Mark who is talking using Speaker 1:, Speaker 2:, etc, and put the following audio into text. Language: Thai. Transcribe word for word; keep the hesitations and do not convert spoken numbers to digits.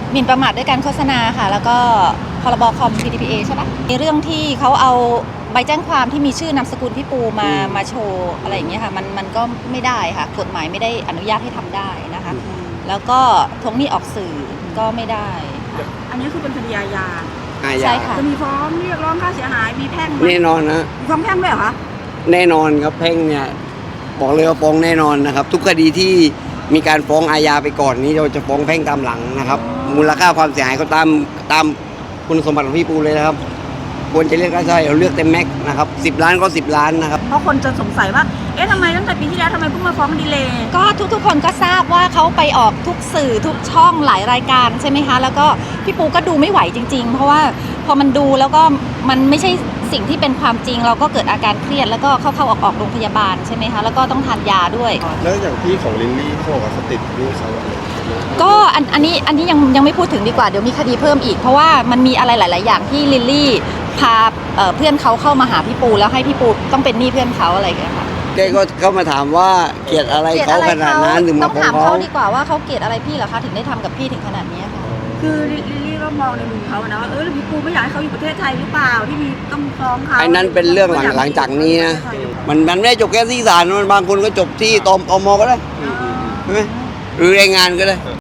Speaker 1: หมิ่นประมาทด้วยการโฆษณาค่ะแล้วก็พรบคอม พี ดี พี เอ ใช่ปะในเรื่องที่เขาเอาใบแจ้งความที่มีชื่อนามสกุลพี่ปูมามาโชว์อะไรอย่างเงี้ยค่ะมันมันก็ไม่ได้ค่ะกฎหมายไม่ได้อนุญาตให้ทำได้นะคะแล้วก็ทวงหนี้ออกสื่อก็ไม่ได้ค่ะ
Speaker 2: อันนี้คือเป็นคดีอาญา
Speaker 3: อาญา
Speaker 1: ใช่ค่ะ
Speaker 2: จะมีฟ้องเรียกร้องค่าเสียหายมีแพ่งไหม
Speaker 3: แน่นอนนะ
Speaker 2: มีฟ้องแพ่งด้วยเหรอคะ
Speaker 3: แน่นอนครับแพ่งเนี่ยบอกเลยว่าฟ้องแน่นอนนะครับ ทุกคดีที่มีการฟ้องอาญาไปก่อนนี้เราจะฟ้องแพ่งตามหลังนะครับ มูลค่าความเสียหายก็ตามตามคุณสมบัติของพี่ปูเลยนะครับควรจะเรียกค่าเสียหายเราเลือกเต็มแม็กซ์นะครับสิบล้านก็สิบล้านนะครับ
Speaker 2: เพราะคนจะสงสัยว่าเอ๊ะทำไมตั้งแต่ปีที่แล้วทำไมเพิ่งมาฟ้องดีเลย์
Speaker 1: ก็ทุกๆคนก็ทราบว่าเขาไปออกทุกสื่อทุกช่องหลายรายการใช่ไหมคะแล้วก็พี่ปูก็ดูไม่ไหวจริง ๆ เพราะว่าพอมันดูแล้วก็มันไม่ใช่สิ่งที่เป็นความจริง เราก็เกิดอาการเครียดแล้วก็เข้าๆออกๆโรงพยาบาลใช่ไหมคะแล้วก็ต้องทานยาด้วย
Speaker 4: แล้วอย่างพี่ของลินลี่เขาบอกว่าเขาติดหนี้เขาอะไร
Speaker 1: ก็อันอันนี้อันนี้ยังยังไม่พูดถึงดีกว่าเดี๋ยวมีคดีเพิ่มอีก เพราะว่ามันมีอะไรหลาย ๆ อย่างที่ลิลลี่พาเอ่อเพื่อนเขาเข้ามาหาพี่ปูแล้วให้พี่ปูต้องเป็นหนี้เพื่อนเขาอะไรอย่างเงี้ยค่ะ
Speaker 3: แกก็เข้ามาถามว่าเกลียดอะไรเขาขนาดนั้นถึง
Speaker 1: ต้
Speaker 3: มา
Speaker 1: อง
Speaker 3: ฟ้อง
Speaker 1: ถาม
Speaker 3: เขา
Speaker 1: เขาดีกว่าว่าเขาเกลียดอะไรพี่เหรอคะถึงได้ทำกับพี่ถึงขนาดนี้ค่ะ
Speaker 2: คือลิลลี่ก็มองในมุมเขาอะนะว่าเออหรือพี่ปูไม่อยากให้เขาอยู่ประเทศไทยหรือเปล่าที่มีต้องฟ้องเขา
Speaker 3: ไอ้นั้นเป็นเรื่องหลังหลังจากนี้นะมันมันไม่ได้จบแค่ที่ศาลมันบางคนก็จบที่ตมอมก็ได้ใช่ไหมหรือแรงงานก็ได้